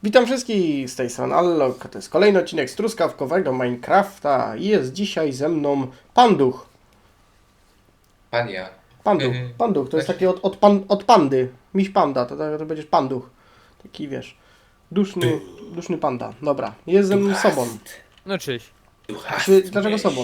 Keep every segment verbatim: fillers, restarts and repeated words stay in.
Witam wszystkich z tej strony Allok. To jest kolejny odcinek z truskawkowego Minecrafta i jest dzisiaj ze mną Panduch. Pania. Panduch, Panduch, to jest taki od, od, pan, od pandy. Miś panda, to, to będziesz Panduch. Taki wiesz, duszny, duszny panda. Dobra, jest ze mną sobą. No cześć. Czy, dlaczego sobą?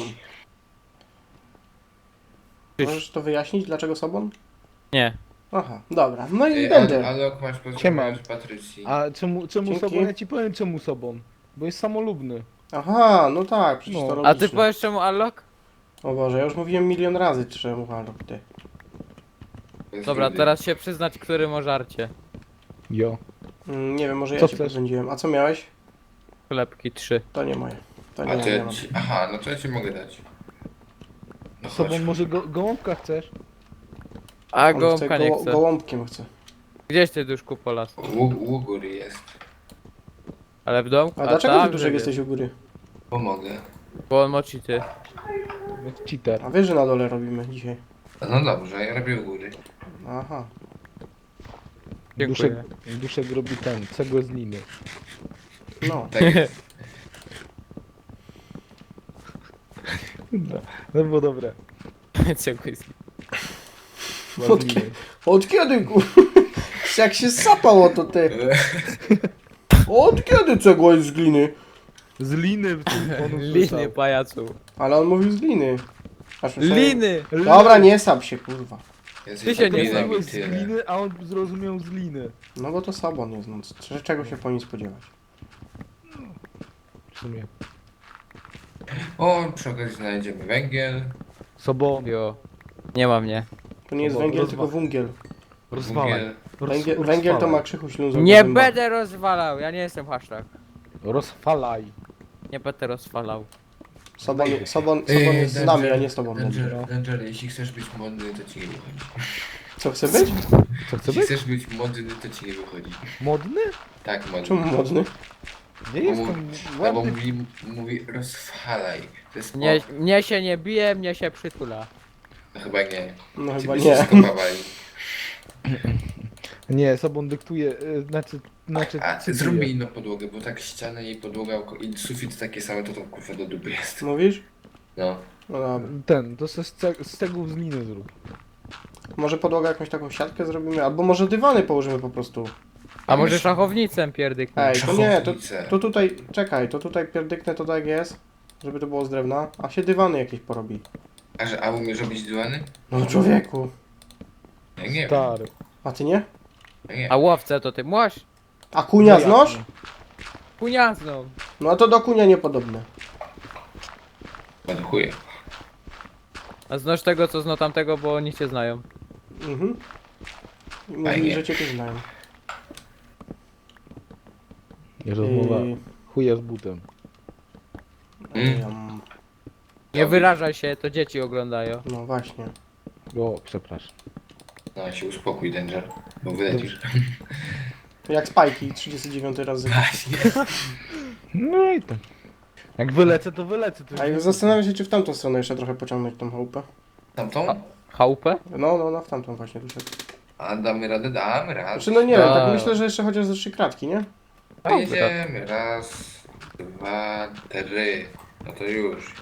Cześć. Możesz to wyjaśnić, dlaczego sobą? Nie. Aha, dobra, no i Ej, będę. Alok, masz pozdrowienia od Patrycji. A czemu, czemu Dzięki. sobą? Ja ci powiem czemu sobą. Bo jest samolubny. Aha, no tak, przecież No. to A ty logiczne. powiesz czemu Allok? O Boże, ja już mówiłem milion razy, czemu Allok ty. To jest Dobra, rudy. teraz się przyznać, który ma żarcie. Jo. Mm, nie wiem, może ja Co cię chcesz? pozbędziłem. A co miałeś? Chlebki trzy. To nie moje. To nie, A nie, to nie ja mam. ci... Aha, no to ja ci mogę dać. No Sobą chodź. może go, gołąbka chcesz? A On chce gołąbka nie goło- chce. Gołąbkiem chce. Gdzieś ty duszku po las? Łu- Ługur jest. Ale w domku? A dlaczego tam ty duszek żyje. jesteś u góry? Pomogę. Bo on ma cheaty. Jak cheater. A wiesz, że na dole robimy dzisiaj. No dobrze, ja robię u góry. Aha. Dziękuję. Duszek, duszek robi ten, cegłę z liny. No. Tak jest. No, no było dobre. Dziękuję. Była z Od, liny. od kiedy ku... Jak się sapało to ty? Od kiedy cegła jest z gliny? Z liny w tym on Liny usłyszał. pajacu. Ale on mówił z gliny. Aż myślałem- Liny! Dobra, nie sap się, kurwa. Jesteś Ty się nie debilem i Cegłę z tyle. gliny, a on zrozumiał z liny. No bo to Sabon jest, no. c- Czego się po nim spodziewać? W sumie. O, przy okazji znajdziemy węgiel. Sobą. Jo. Nie ma mnie. To nie jest Sobą, węgiel, rozwa- tylko węgiel. Rozwalaj. Węgiel. Roz, Węgiel, rozwalaj. węgiel to ma krzychu śluzą. Nie będę rozwalał, ja nie jestem hashtag. Rozfalaj. Nie będę rozwalał. Sobon, Sobon, Ej, Sobon jest z Danger, nami, a nie z tobą. Danger, Danger, jeśli chcesz być modny, to ci nie wychodzi. Co chce być? Co chce Jeśli być? chcesz być modny, to ci nie wychodzi. Modny? Tak, modny. Czemu modny? Nie Bo jestem mówi- No bo ładny. mówi, mówi rozfalaj. To jest Mnie, po- mnie się nie bije, mnie się przytula. No chyba nie. No Ci chyba by nie. się skopawali. Nie, sobą dyktuje, y, znaczy, znaczy A cytuje. zróbmy inną podłogę, bo tak ściana i podłoga oko- i sufit takie same, to to kurwa do dupy jest. Mówisz? No. No dobra. Ten, to se z, ceg- z cegłów z liny zrób. Może podłogę jakąś taką siatkę zrobimy, albo może dywany położymy po prostu. A może myśl- szachownicę pierdyknę? Ej, to nie, to, Szachownicę. to tutaj, czekaj, to tutaj pierdyknę to tak jest, żeby to było z drewna, a się dywany jakieś porobi. A że a umiesz robić dywany? No człowieku, Ja nie wiem. Stary. a ty nie? Ja nie. A łowcę to ty młaś? A kunia znasz? Puniazną. No a to do kunia niepodobne. Ładuję. A znasz tego, co zna tamtego, bo oni cię znają. Mhm. I Mówili, Fajnie. że cię też znają. Nie rozmowa. I... Chuja z butem. Mm. Ym, Nie wyrażaj się, to dzieci oglądają. No właśnie. O, przepraszam. No się uspokój, Danger. Bo wylecisz. To jak spajki, trzydziesty dziewiąty raz. Właśnie. No i tak. Jak wylecę, to wylecę. To A już ja zastanawiam się, czy w tamtą stronę jeszcze trochę pociągnąć tą chałupę. Tamtą? Chałupę? No, no, no, w tamtą właśnie duszek. A damy radę? Damy radę. Znaczy, no nie wiem, tak A. myślę, że jeszcze chociaż ze trzy kratki, nie? Pojedziemy. Raz, dwa, trzy. No to już.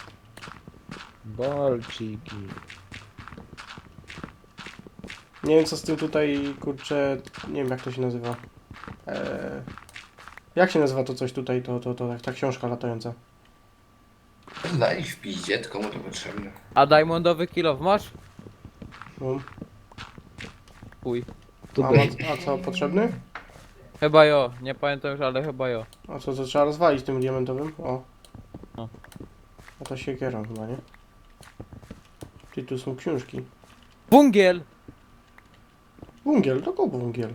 Balciki. Nie wiem co z tym tutaj, kurczę, nie wiem jak to się nazywa. Eee, jak się nazywa to coś tutaj, to, to, to, ta książka latająca? Daj w piździe, komu to potrzebne? A diamondowy kilof masz? No. Chuj. To A, daj. ma- a co, potrzebny? Chyba jo, nie pamiętam już, ale chyba jo. A co, to trzeba rozwalić tym diamentowym? O. No. A to siekierą chyba, nie? Czyli tu są książki. Bungiel! Wungiel, to kogo wungiel?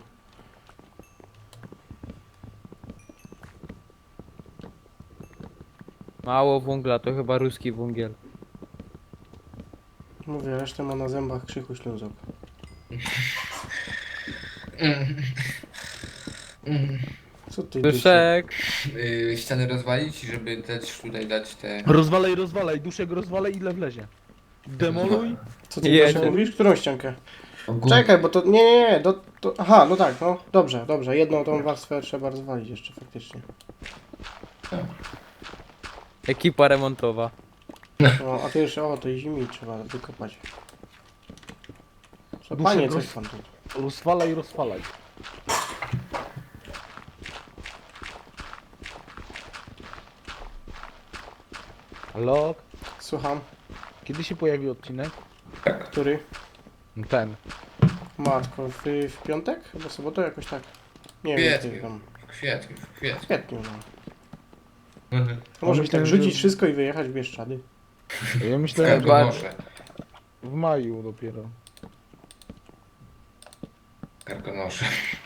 Mało wungla, to chyba ruski wungiel. Mówię, resztę ma na zębach krzychu śluzok. Co ty dyszy? Duszek! Yy, ściany rozwalić, żeby też tutaj dać te... Rozwalaj, rozwalaj, duszek rozwalaj ile wlezie. Demoluj. Co ty Jedzie. Dyszy, mówisz? Którą ściankę? Ogólnie. Czekaj, bo to... Nie, nie, nie, do, to... Aha, no tak, no. Dobrze, dobrze. Jedną tą warstwę trzeba rozwalić jeszcze faktycznie. Ekipa remontowa. No, a to jeszcze, o, to zimi trzeba wykopać. Co, Duszek panie, roz- coś pan tu... Rozwalaj, rozwalaj. Halo? Słucham, Kiedy się pojawi odcinek? który? No ten. Matko, w, w piątek? Chyba sobotę jakoś tak. Nie W wiem, kwietniu. kiedy tam. W kwietniu, w W kwietniu. kwietniu, no. Mhm. To może myślałem, tak że- rzucić wszystko i wyjechać w Bieszczady. Ja W myślałem, że Karkonosze. w maju dopiero. Karkonosze.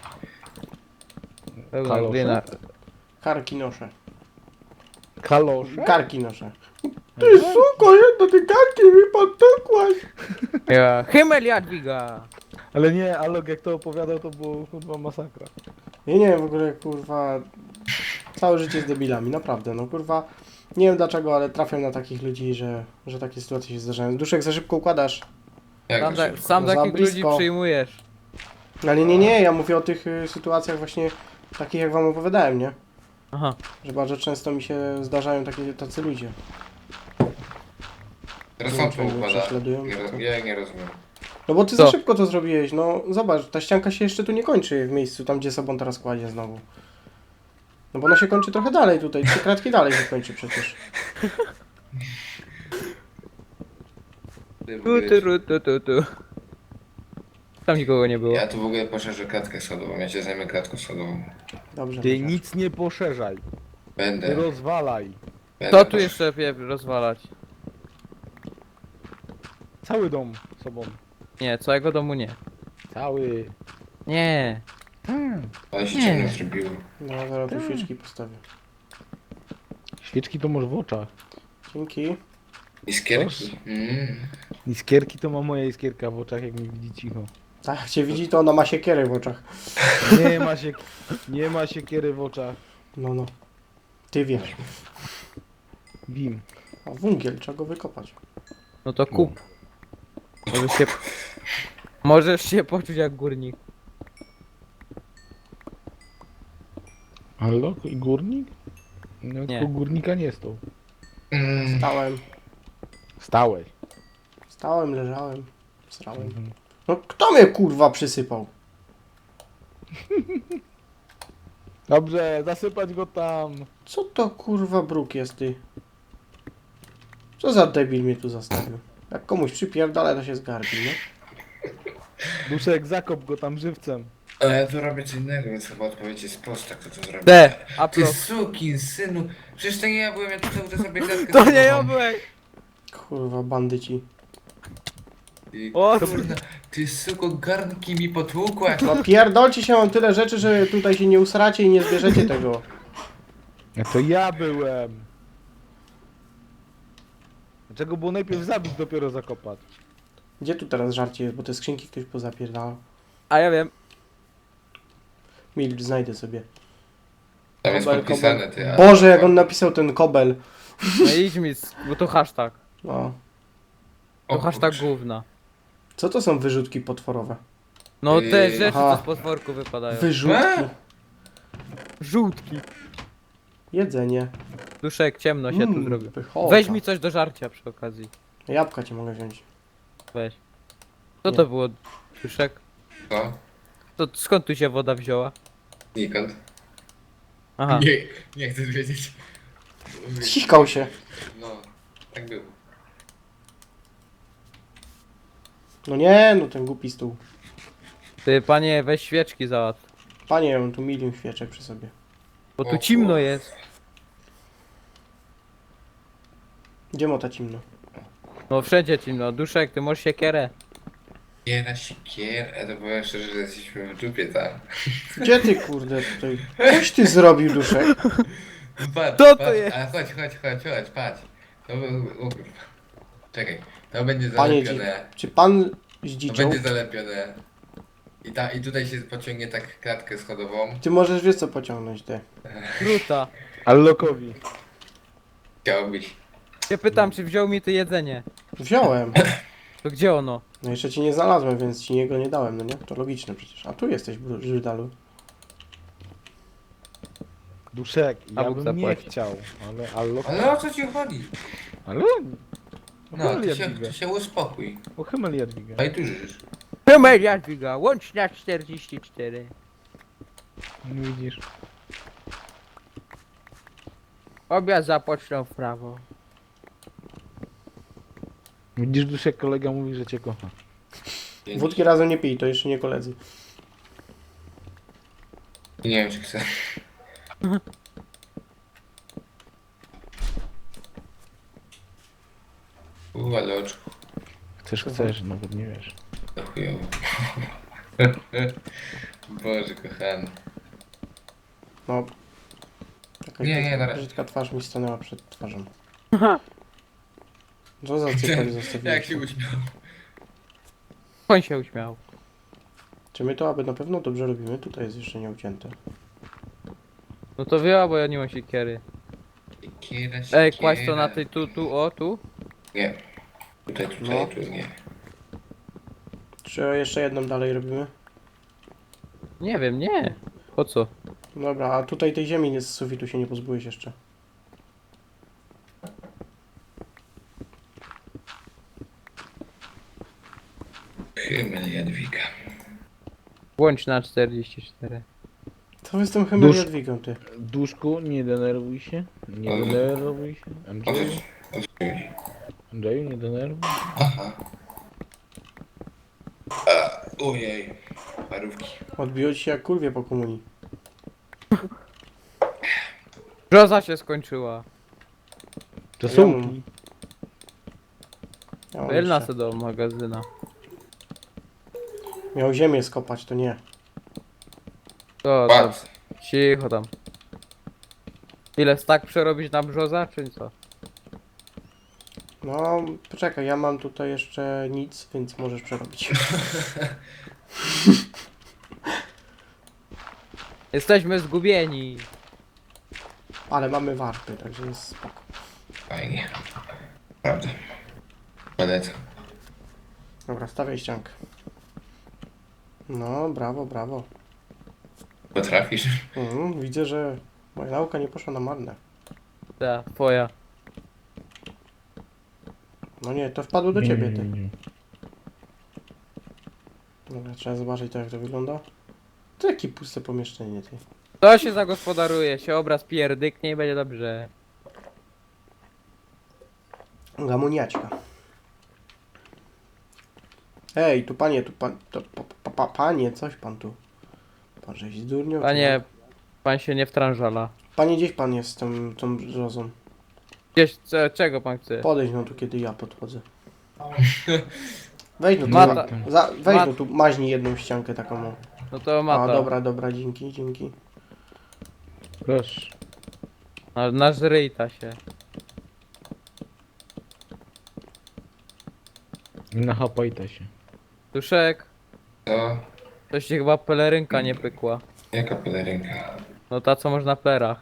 Pełna Kalosze? glina. Karki noszę. Kalosze? Karki noszę. Ty suko, jedna ty karki mi podtukłaś. Ja. Himmel Jadwiga! Ale nie, Alok jak to opowiadał, to było chyba masakra. Ja nie wiem w ogóle, kurwa... Całe życie z debilami, naprawdę, no kurwa... Nie wiem dlaczego, ale trafiam na takich ludzi, że, że takie sytuacje się zdarzają. Duszek, za szybko układasz. Jak Sam, to ta, szybko? sam Za takich ludzi blisko. przyjmujesz. Ale nie, nie, ja mówię o tych y, sytuacjach właśnie takich, jak wam opowiadałem, nie? Aha. Że bardzo często mi się zdarzają takie, tacy ludzie. Teraz Nie wiem, on czy to oni mnie układa. prześladują, Nie, czy roz- co? ja nie rozumiem. No bo ty Co? za szybko to zrobiłeś, no zobacz, ta ścianka się jeszcze tu nie kończy w miejscu, tam gdzie sobą teraz kładzie znowu. No bo ona się kończy trochę dalej tutaj, trzy kratki dalej się kończy przecież. Ty w Tu, ogóle- tu, ru, tu, tu, tu. Tam nikogo nie było. Ja tu w ogóle poszerzę klatkę schodową, ja się zajmę klatką schodową. Dobrze. Ty Michał. nic nie poszerzaj. Ty Będę. rozwalaj. będę To tu posz- jeszcze pie- rozwalać. Cały dom sobą. Nie, całego domu nie. Cały. Nie. Hmm. Ale się Nie. ciemno zrobiło. No zaraz tu świeczki postawię. Świeczki to masz w oczach. Dzięki. Iskierki. Mm. Iskierki to ma moja iskierka w oczach, jak mnie widzi cicho. Tak, jak cię widzi, to ona ma siekierę w oczach. Nie ma się, nie ma siekiery w oczach. No, no. Ty wiesz. Wim. A węgiel, trzeba go wykopać. No to kup. Możesz się... Możesz się poczuć jak górnik. Halo? I górnik? No Nie. tylko górnika nie stał. Mm. Stałem, Stałeś. stałem, leżałem, srałem. Mhm. No kto mnie kurwa przysypał? Dobrze, zasypać go tam. Co to kurwa bruk jest ty? Co za debil mnie tu zastawił? Jak komuś przypierdala, to się zgarbi, nie? Duszek, zakop go tam żywcem. Ale ja tu robię co innego, więc chyba odpowiedź jest prosta, kto to zrobił. D. Ty Upload. sukin, synu. Przecież to nie ja byłem, ja tu cały czas sobie klatkę To nie ja schodową. byłem. Kurwa, bandyci. Ty, O, kurna, ty suko, garnki mi potłukłaś. No pierdolcie się, mam tyle rzeczy, że tutaj się nie usracie i nie zbierzecie tego. A to ja byłem. Dlaczego było najpierw zabić, dopiero zakopać? Gdzie tu teraz żarcie jest, bo te skrzynki ktoś pozapierdalał. A ja wiem. Milcz, znajdę sobie. Tam jest Kobel, podpisane, kobel. ty. a- Boże, jak on napisał ten kobel. No idź mi, z- bo to hashtag. No. To O hashtag kurczę. gówna. Co to są wyrzutki potworowe? No te Yy, rzeczy, aha. co z potworku wypadają. Wyrzutki. A! Żółtki. Jedzenie. Duszek, ciemno się tu Mm, zrobił. pychota. Weź mi coś do żarcia przy okazji. Jabłka ci mogę wziąć. Weź. Co Nie. to było, Duszek? Co? To skąd tu się woda wzięła? Nikąd. Aha. Nie, nie chcesz wiedzieć. Cichał się. No, tak było. No nie, no ten głupi stół. Ty, panie, weź świeczki załatw. Panie, ja mam tu milion świeczek przy sobie. Bo O tu cimno kurwa. jest. Gdzie mota cimno? No wszędzie cimno. Duszek, ty możesz siekierę. Nie na sikier, a to powiem szczerze, że jesteśmy w dupie tam. Gdzie ty kurde tutaj? Coś ty zrobił, Duszek? Patrz, Co to patrz, jest? A chodź, chodź, chodź, chodź, patrz. To, o, kurwa. Czekaj, to będzie Panie, dzi- zalepione. czy pan To zdziczał? będzie zalepione. I, ta, I tutaj się pociągnie tak klatkę schodową. Ty możesz wiesz co pociągnąć, ty. Kruta. Allokowi. Chciałbyś. Się pytam, czy wziął mi ty jedzenie. Wziąłem. To gdzie ono? No jeszcze ci nie znalazłem, więc ci jego nie dałem, no nie? To logiczne przecież. A tu jesteś, Żydalu. Duszek, A ja Bóg bym nie zapłaci. chciał, ale... Ale, Ale o co ci chodzi? ale... No, Uchyl ty się, Jadwigę. ty się uspokój. Uchyl Jadwigę. A i tu żyjesz. Numer Jadwiga, łączna czterdzieści cztery. No widzisz. Obiad zapoczną w prawo. Widzisz, Duszek, kolega mówi, że cię kocha. Dzięki. Wódki razem nie pij, to jeszcze nie koledzy. Nie wiem, czy chcę. U, ale oczku. Chcesz, chcesz, nawet nie wiesz. To chujowo. Boże kochany. No. Jakaś Nie, nie, brzydka- na razie. brzydka twarz mi stanęła przed twarzą. Co za cypek zostawiłeś? Jak się uśmiał. On się uśmiał. Czy my to aby na pewno dobrze robimy? Tutaj jest jeszcze nieucięte. No to wyjęła, bo ja nie mam siekiery. Siekiera, Ej, siekiera. kładź to na tej tu, tu, o, tu. Nie. Tutaj, tutaj, No. tu nie. Czy jeszcze jedną dalej robimy? Nie wiem, nie. Po co? Dobra, a tutaj tej ziemi nie z sufitu się nie pozbyłeś jeszcze. Hymel Jadwiga. Łączna czterdzieści cztery. Co wy z tym Hymer Dusz- Jadwigą, ty? Duszku, nie denerwuj się. Nie Ale- denerwuj się. O co Andrzeju, ci- o co ci chodzi? Andrzeju, nie denerwuj. Aha. A, ojej. Parówki. Odbiło ci się jak kurwie po komunii. Brzoza się skończyła. To Ja są. mam- Ja mam Wylna jeszcze- se do magazyna. Miał ziemię skopać, to nie. To, to, Patrz. cicho tam. Ile stak przerobić na brzoza, czy co? No, poczekaj, ja mam tutaj jeszcze nic, więc możesz przerobić. Jesteśmy zgubieni. Ale mamy warpy, także jest spoko. Fajnie. Prawda. Polecam. Dobra, stawiaj ściankę. No, brawo, brawo. Potrafisz? Mhm, widzę, że moja nauka nie poszła na marne. Ta, twoja. No nie, to wpadło do ciebie, Nie, ty. nie, nie. Dobra, trzeba zobaczyć to, jak to wygląda. To jakie puste pomieszczenie, ty. To się zagospodaruje, się obraz pierdyknie i będzie dobrze. Gamoniaćka. Ej, tu panie, tu pan, to, pa, pa, pa, panie, coś pan tu. Pan żeś zdurniał? czy Panie, jak? pan się nie wtrążala. Panie, gdzieś pan jest z tą, tą brzozą? Gdzieś, ce, czego pan chce? Podejdź no tu, kiedy ja podchodzę. Weź no tu, Mata. za, za, weź Mat- no tu, maźnij jedną ściankę taką. o. No to A, mata. dobra, dobra, dzięki, dzięki. Proszę. Na, nażryj ta się. Nachapajta się. Duszek, To to się chyba pelerynka nie pykła. jaka pelerynka? No ta co można w plerach.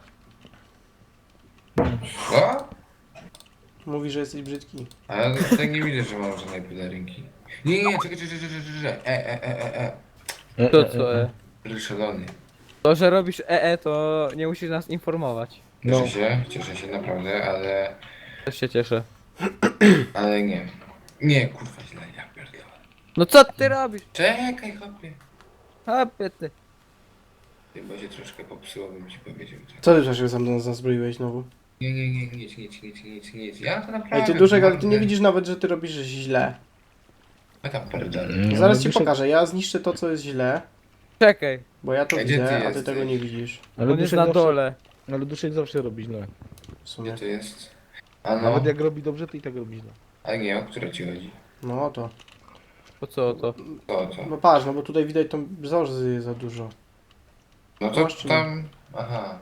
Co? Mówi, że jesteś brzydki. Ale tak nie widzę, że mam żadnej pelerynki. Nie, nie, czekaj, czekaj, czekaj, czekaj, czekaj. E, e, e, e, E, To e, co e. e? e. Szalony. To, że robisz E E, to nie musisz nas informować. Cieszę No. się, cieszę się naprawdę, ale... Też się cieszę. Ale nie. Nie, kurwa źle, ja pierdolę. No co ty robisz? Czekaj, chłopie. Hopie ty. Ty, bo się troszkę popsuło, bym ci powiedział. Co ty przecież sam zazbroiłeś znowu? Nie, nie, nie, nic, nic, nic, nic, nic. Ja to naprawdę... Ej, ty Duszek, ale ty nie widzisz nawet, że ty robisz źle. Ja tam pierdolę. Mm. Zaraz ale ci Duszek- pokażę, ja zniszczę to, co jest źle, Czekaj, bo ja to Ej, gdzie widzę, ty a ty jesteś? tego nie widzisz. Ale on jest Duszek na zawsze, dole. ale Duszek zawsze robi źle. W sumie. Gdzie to jest? A no, Nawet jak robi dobrze, to i tak robi źle. a nie, o które ci chodzi? No to. Po co to? To, to. No patrz, no bo tutaj widać tą brzozy za dużo. No to Masz czy nie? tam... Aha.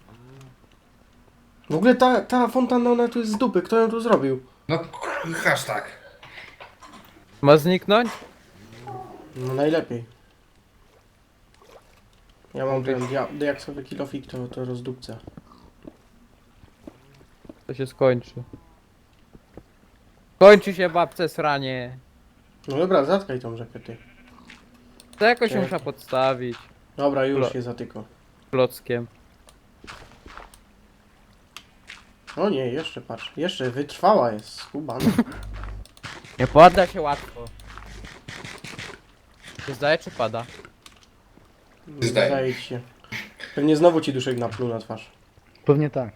W ogóle ta, ta fontanna, ona tu jest z dupy, kto ją tu zrobił? No, k- hashtag. Ma zniknąć? No najlepiej. Ja mam ten dia diaksowy kilofik, to, to rozdupcę. To się skończy. Kończy się babce sranie. No dobra, zatkaj tą rzekę ty. To jakoś ją Czekaj. można podstawić. Dobra, już Lo- się zatyko. Klockiem. O nie, jeszcze patrz. Jeszcze wytrwała jest, skubana. Nie podda się łatwo. Nie zdaje czy pada? Zdaje. Zdaje ci się. Pewnie znowu ci duszek napluł na twarz. Pewnie tak.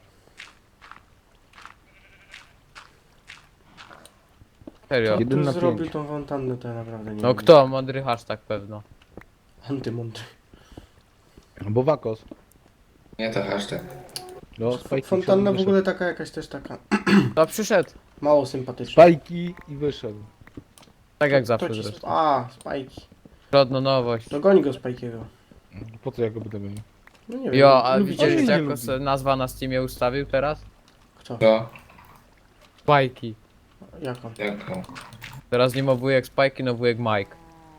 Serio. Kto Jeden tu na zrobił pięć. tą fontannę, to ja naprawdę nie No wiem. kto? Mądry hashtag pewno. Antymądry. Albo Wakos. Nie to hashtag. No, spajki Fontanna w wszedł, ogóle taka jakaś też taka To przyszedł. mało wyszedł. sympatyczna. Spajki i wyszedł. Tak jak To zawsze ci... zresztą. A, spajki. Żadna nowość. To goń go Spajkiego. Po co ja go będę gonił? No nie wiem. Jo, a lubicie- widzieliście nie jak lubi. se nazwa na Steamie ustawił teraz? Kto? To? Spajki. Jaką? Jaką? Teraz nie ma wujek Spajki, no wujek Mike.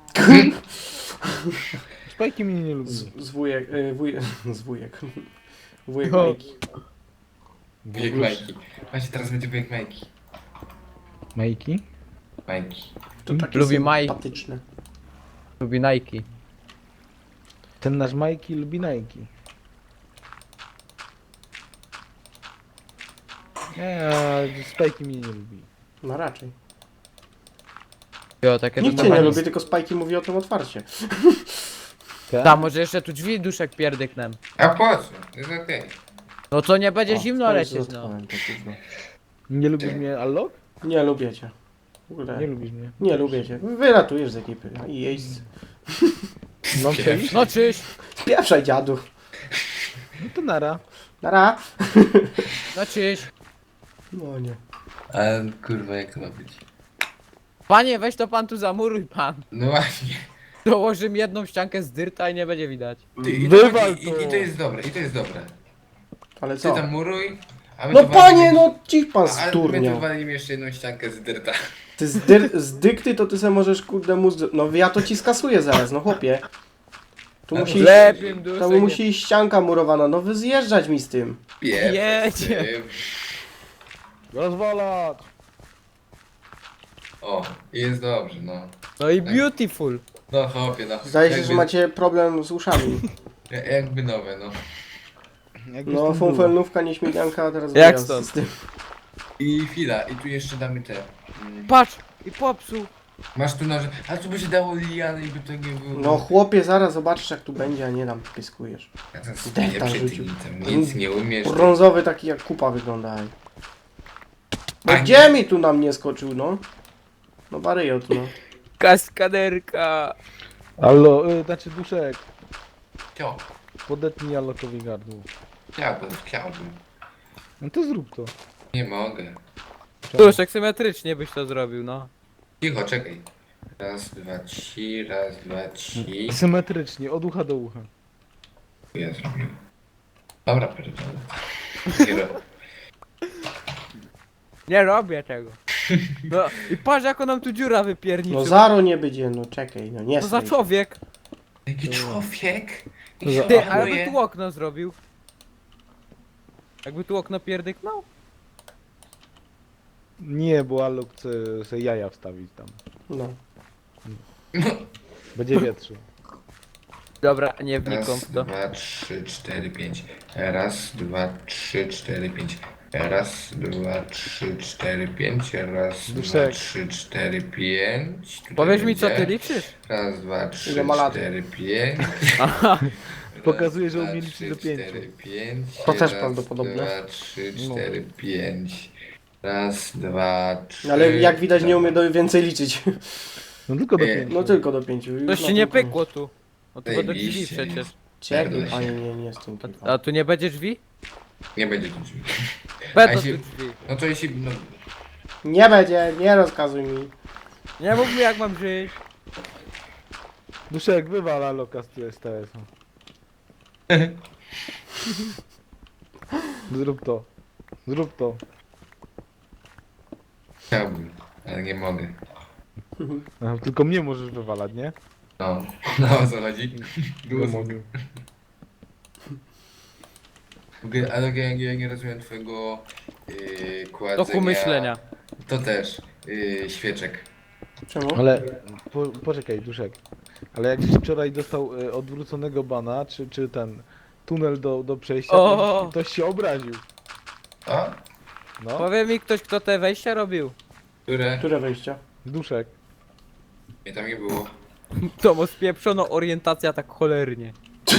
Spajki mnie nie lubią. Z, z wujek, y, wuj, z wujek. Wujek No. Majki. Wujek Majki. Właśnie teraz będzie wujek Majki. Majki? Majki. To takie Lubi Maj- sympatyczne. Lubi Nike. Ten nasz Majki lubi Nike. Nie, a Spajki mnie nie lubi. No raczej. Jo, takie Nikt to cię nie tam- lubi, tylko Spajki mówi o tym otwarcie. Tak? Tam może jeszcze tu drzwi duszek pierdyknem. A po co? To jest okej. No to nie będzie O, zimno to lecieć, no. zatkałem to gówno. Nie lubisz mnie, Allok? Nie lubię cię. W ogóle. Nie lubisz mnie. Nie lubię cię. Wylatujesz z ekipy. I jeźdź. No przecież. No czyś, Spieprzaj dziadu. No to nara. Nara. no czyś. No nie. A kurwa jak to ma być? Panie, weź to pan tu zamuruj pan. No właśnie. Dołoży mi jedną ściankę z dyrta i nie będzie widać. Ty, i, Wywal i, to. i, I to jest dobre, i to jest dobre. Ale Ty co? tam muruj, a my No tu panie, walimy- no ci pan A my tu sturniał. walimy jeszcze jedną ściankę z dyrta. Ty z, dyr, z dykty to ty se możesz kurde mózg... No ja to ci skasuję zaraz, no chłopie. Tu Ale musi, Lepiej tam duszek. musi iść ścianka murowana, no wy zjeżdżać mi z tym. Jedzie. Rozwalać! O, i jest dobrze, no. No i beautiful. No chłopie, no. Zdaje się, Jakby- że macie problem z uszami. ja- Jakby nowe, no. Jakby No z tym było. funfelnówka, nieśmiganka, a teraz Jak wyjazd stąd? z tym. I chwila, i tu jeszcze damy te. Mm, Patrz, i popsuł. masz tu noże. A tu by się dało liany i by to nie było. No chłopie, zaraz zobaczysz jak tu będzie, a nie tam pyskujesz. Ja to Delta spieprzę, ty rzucił. tam nic nie umiesz. Brązowy taki jak kupa wygląda. ej. No A gdzie mi tu na mnie skoczył, no? No baryjot, no. Kaskaderka. Allo, y, znaczy duszek. Cio, Podetnij Allokowi gardło. chciałbym, chciałbym. No to zrób to. Nie mogę. Duszek symetrycznie byś to zrobił, no. Cicho, czekaj. Raz, dwa, trzy, raz, dwa, trzy. Symetrycznie, od ucha do ucha. Ja zrobiłem. Dobra, pierdolę. Nie robię. Nie robię tego. No i patrz jak on nam tu dziura wypierniczył. No zaro nie będzie, no czekaj, no nie Co za stoi. człowiek? Jaki człowiek? za- Ty, Ach, a jakby tu okno zrobił? Jakby tu okno pierdyknął? Nie, bo Allok chce sobie jaja wstawić tam. No. Będzie wietrzył. Dobra, nie wnikam Raz, w to. dwa, trzy, cztery, pięć. Raz, dwa, trzy, cztery, pięć. Raz, dwa, trzy, cztery, pięć. Raz, dwa, Duszek. trzy, cztery, pięć. Tutaj Powiedz mi co będzie. ty liczysz? Raz, dwa, trzy, Ile ma lat? cztery, pięć. Aha, Pokazuje, że Raz, umie dwa, liczyć trzy, do pięciu. cztery, pięć. To też Raz, prawdopodobne. dwa, trzy, No. cztery, pięć. Raz, dwa, trzy. Ale jak widać nie umie do więcej liczyć. No tylko do Nie. pięciu. No tylko do pięciu. Już coś na ci nie tym- pykło tu. No to do drzwi Zajebiście, nie? przecież. Czekaj, Pierdolę panie, się. nie, nie z tym. A, tylko. a tu nie będzie drzwi? Nie będzie tu drzwi. Będą A tu jeśli- drzwi. No to jeśli. No, Nie będzie, nie rozkazuj mi. Nie mów mi jak mam żyć. Duszek, wywal Alloka z S T S-a. Zrób to. Zrób to. chciałbym, ale nie mogę. Aha, tylko mnie możesz wywalać, nie? No, no o co chodzi? Nie Było mogę. W ogóle, ale ja, ja nie rozumiem twojego yy, kładzenia. Toku myślenia. To też. Yy, świeczek. Czemu? Ale po, poczekaj, Duszek. Ale jak wczoraj dostał e, odwróconego bana, czy, czy ten tunel do, do przejścia, to O! ktoś się obraził. A? No, Powie mi ktoś, kto te wejścia robił. Które? Które wejścia? Duszek. Mnie tam nie było. To mu spieprzono orientacja tak cholernie.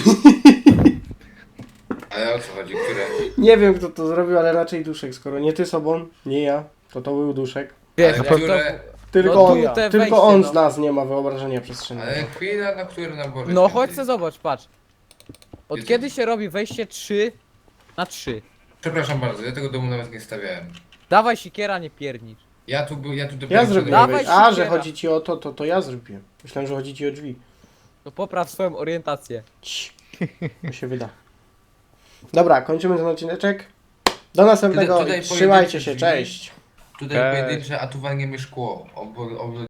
Ale o co chodzi? Które? Nie wiem kto to zrobił, ale raczej Duszek. Skoro nie ty sobą, nie ja, to to był Duszek. Wiesz, Ale jak które? Tylko No on, tu te tylko wejście, on no. z nas nie ma wyobrażenia przestrzennego. Ale chwila, na które nabory? to... No świętej? chodź se zobacz, patrz. Od Jezu. kiedy się robi wejście trzy na trzy? Przepraszam bardzo, ja tego domu nawet nie stawiałem. Dawaj sikiera, nie piernicz. Ja tu był, ja tu dopiero Ja zrobiłem. Dawaj wejście. A, że sikiera. chodzi ci o to, to, to ja zrobiłem. Myślałem, że chodzi ci o drzwi. To popraw swoją orientację. Cii. To się wyda. Dobra, kończymy ten odcineczek. Do następnego. Tutaj- tutaj Trzymajcie się, pojedyncze drzwi. cześć. Tutaj Cześć. pojedyncze, a tu walniemy szkło. Ob, ob,